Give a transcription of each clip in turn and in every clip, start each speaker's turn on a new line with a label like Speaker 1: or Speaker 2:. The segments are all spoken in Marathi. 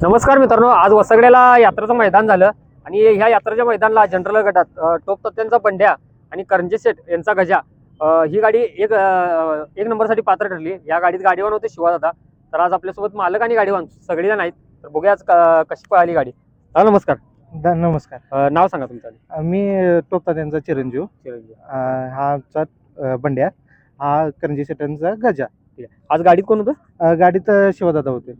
Speaker 1: नमस्कार मित्रांनो, आज वसगड्याला यात्रेचं मैदान झालं आणि ह्या यात्रेच्या मैदानाला जनरल गटात टोप तत्त्यांचा बंड्या आणि करंजे सेठ यांचा गजा ही गाडी एक नंबरसाठी पात्र ठरली. या गाडीत गाडीवान होते शिवादादा. तर आज आपल्यासोबत मालक आणि गाडीवान सगळेजण आहेत. तर बघूया आज कशी पळाली गाडी. नमस्कार.
Speaker 2: नमस्कार.
Speaker 1: नाव सांगा तुमचं.
Speaker 2: मी टोपता त्यांचा चिरंजीव. हा आमचा बंड्या, हा करंजी सेटांचा गजा.
Speaker 1: ठीक आहे. आज गाडीत कोण होतं?
Speaker 2: गाडीत शिवदादा होते.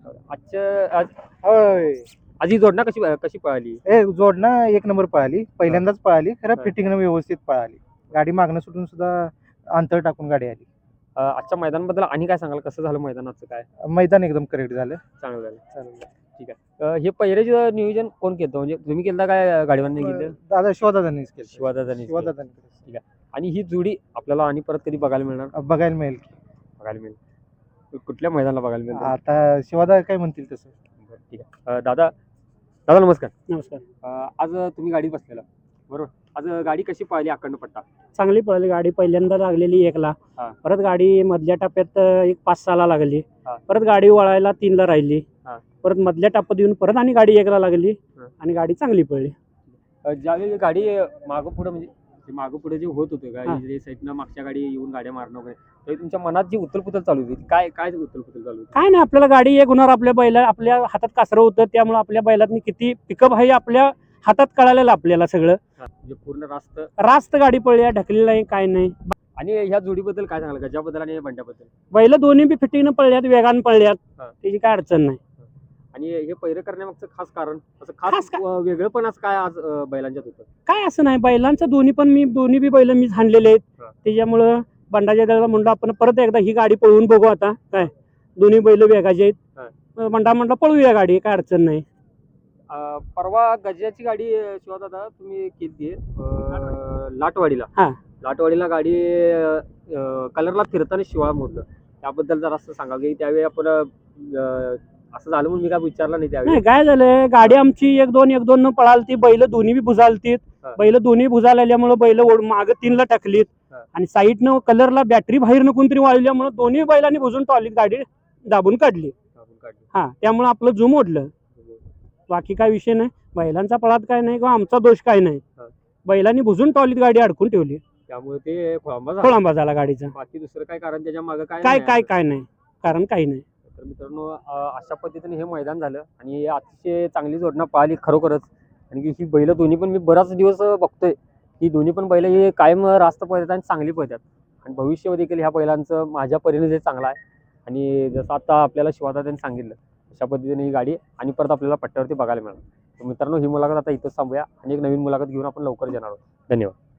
Speaker 1: आज ही जोडणं कशी कशी पळाली?
Speaker 2: जोडणं एक नंबर पळाली, पहिल्यांदाच पळाली. खरं
Speaker 1: हा.
Speaker 2: फिटिंगनं व्यवस्थित पळाली. गाडी मागणं सुटून सुद्धा अंतर टाकून गाडी आली.
Speaker 1: आजच्या मैदानाबद्दल आणि काय सांगाल? कसं झालं मैदानाचं? काय
Speaker 2: मैदान एकदम करेक्ट झालं.
Speaker 1: चांगलं झालं. ठीक आहे. हे पहिल्याचं नियोजन कोण केलं? म्हणजे तुम्ही केलं काय गाडीवान केलं?
Speaker 2: दादा शिवदादांनीच केलं.
Speaker 1: शिवादादांनी.
Speaker 2: शिवदादांनी
Speaker 1: ठीक आहे. आणि ही जोडी आपल्याला आणि परत कधी बघायला मिळणार?
Speaker 2: बघायला मिळेल की.
Speaker 1: बघायला मिळेल. कुठल्या मैदानाला बघायला मिळेल?
Speaker 2: आता शिवदादा काय म्हणतील तसं.
Speaker 1: ठीक आहे. दादा नमस्कार.
Speaker 3: नमस्कार.
Speaker 1: आज तुम्ही गाडीत बसलेला बरोबर. आज गाडी कशी पळाली? अखंड पट्टा
Speaker 3: चांगली पळाली गाडी. पहिल्यांदा लागलेली 1ला,
Speaker 1: हा.
Speaker 3: परत गाडी मधल्या टप्प्यात एक 5-6ला लागली,
Speaker 1: हा.
Speaker 3: परत गाडी वळायला 3ला राहिली,
Speaker 1: हा.
Speaker 3: परत मधल्या टप्प्यात येऊन परत आणि गाडी 1ला लागली
Speaker 1: हा.
Speaker 3: आणि गाडी चांगली पळली.
Speaker 1: ज्यावेळी गाडी मागं पुढे म्हणजे मागं पुढे जे होत होतं
Speaker 3: हा.
Speaker 1: गाडी साईडनं मागच्या गाडी येऊन गाड्या मारणं वगैरे, तरी तुमच्या मनात जी उथलपुथल चालू होती काय काय उथलपुथल चालू होती?
Speaker 3: काय नाही, आपल्याला गाडी एक होणार. आपल्या हातात कासरं होतं, त्यामुळे आपल्या बैलातनी किती पिकअप आहे आपल्या हातात कळालेलं आपल्याला सगळं.
Speaker 1: म्हणजे पूर्ण
Speaker 3: रास्त गाडी पळली, ढकलेली नाही, काय नाही.
Speaker 1: आणि ह्या जोडीबद्दल काय सांगाल? गजाबद्दल आणि बंड्याबद्दल?
Speaker 3: बैल दोन्ही बी फिटिंगनं पळल्यात, वेगानं पळल्यात,
Speaker 1: हा.
Speaker 3: त्याची काय अडचण नाही.
Speaker 1: आणि हे पहिरं करण्यामागचं खास कारण असं खास वेगळं पण असं काय आज बैलांच्यात होतं?
Speaker 3: काय असं नाही, बैलांचं दोन्ही बी बैल मीच हाणलेले आहेत.
Speaker 1: हा.
Speaker 3: त्याच्यामुळं बंडाच्या दादा म्हणलं आपण परत एकदा ही गाडी पळवून बघू. आता काय दोन्ही बैल वेगाचे आहेत. बंडा म्हणला पळवूया गाडी, काय अडचण नाही.
Speaker 1: परवा गजाची गाडी शिवादादा तुम्ही केली लाटवाडीला.
Speaker 3: हा.
Speaker 1: लाटवाडीला गाडी कलरला फिरताना शिवाळा मोडलं. त्याबद्दल जरा असं सांगा की त्यावेळी आपण असं झालं म्हणून मी काय विचारलं नाही त्यावेळी.
Speaker 3: नाही, काय झालंय, गाडी आमची 1-2 न पळालती, बैल दोन्ही बी भुजालतीत.
Speaker 1: हा.
Speaker 3: बैल दोन्ही भुजाला आल्यामुळे बैल माग 3ला टाकलीत.
Speaker 1: हा.
Speaker 3: आणि साईडनं कलरला बॅटरी बाहेर कोणतरी वाळल्यामुळे दोन्ही बैलांनी भुजून टॉलीत गाडी दाबून काढली. हा, त्यामुळे आपलं झूम ओढलं. बाकी काय विषय नाही. बैलांचा पळात काय नाही किंवा आमचा दोष काय नाही.
Speaker 1: हा.
Speaker 3: बैलांनी भुजून टॉलीत गाडी अडकून ठेवली,
Speaker 1: त्यामुळे ते
Speaker 3: खोळंबा झाला गाडीचा.
Speaker 1: बाकी दुसरं काय कारण त्याच्या मागे
Speaker 3: काय
Speaker 1: नाही?
Speaker 3: काय काय नाही, कारण काही नाही.
Speaker 1: तर मित्रांनो, अशा पद्धतीने हे मैदान झालं आणि अतिशय चांगली जोडणं पाहिली खरोखरच. आणि ही बैल दोन्ही पण मी बराच दिवस बघतोय की दोन्ही पण बैल हे कायम रास्त पळतात आणि चांगली पळतात. आणि भविष्य देखील ह्या बैलांचं माझ्या परीने जे चांगलं आहे. आणि जसं आता आपल्याला शिवादादांनी सांगितलं अशा पद्धतीने ही गाडी आणि परत आपल्याला पट्ट्यावरती बघायला मिळणार. तर मित्रांनो, ही मुलाखत आता इथंच थांबूया आणि एक नवीन मुलाखत घेऊन आपण लवकर येणार आहोत. धन्यवाद.